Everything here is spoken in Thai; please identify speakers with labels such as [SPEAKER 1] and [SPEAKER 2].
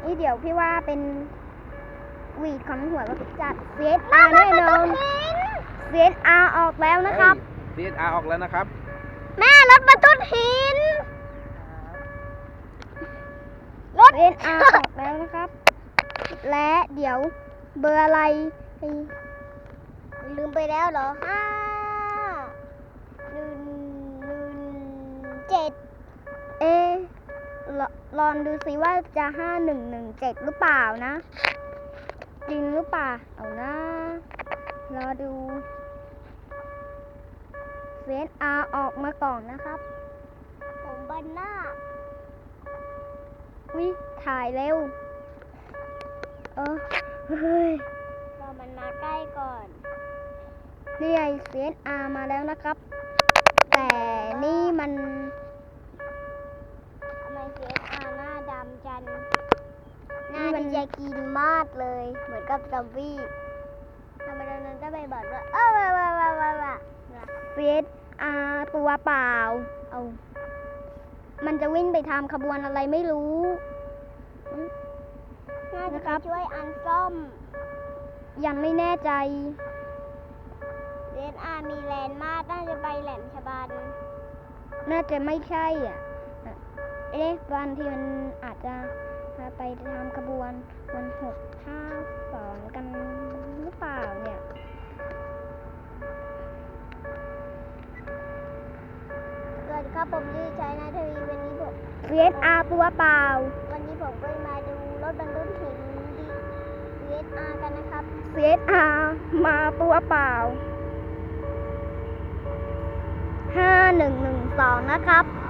[SPEAKER 1] นี่เดี๋ยวพี่ว่าเป็นวีดของหัวก็จัด CSR แน่นอน CSR ออกแล้วนะครับ
[SPEAKER 2] CSR ออกแล้วนะครับ
[SPEAKER 1] แม่รถบรรทุกหินรถ CSR ออกแล้วนะครับ และเดี๋ยวเบอร์อะไรลืมไปแล้วเหรอ117ลองดูสิว่าจะ5117หรือเปล่านะ จริงหรือเปล่าเอานะรอดูCSR ออกมาก่อนนะครับผมบันหน้าวิถ่ายเร็วเฮ้ยรอมันมาใกล้ก่อนนี่ไง CSR มาแล้วนะครับ แต่นี่มันทำไม CSR หน้าดำจันหน้ามันจะกินมากเลยเหมือนกับซอมบี้ทำไมตอนนั้นจะไปบอกว่าCSR ตัวเปล่ามันจะวิ่งไปทำขบวนอะไรไม่รู้น่าจะช่วยอันซ่อมยังไม่แน่ใจCSR มีแลนด์มากน่าจะไปแหลมฉบันน่าจะไม่ใช่วันที่มันอาจจะไปทำขบวนวัน652กันหรือเปล่าเนี่ยสวัสดีครับผมชื่อชัยนาทวีวันนี้ผม CSR ตัวเปล่าวันนี้ผมก็มาดูรถบรรทุกหินCSR กันนะครับ CSR มาตัวเปล่า5112นะครับ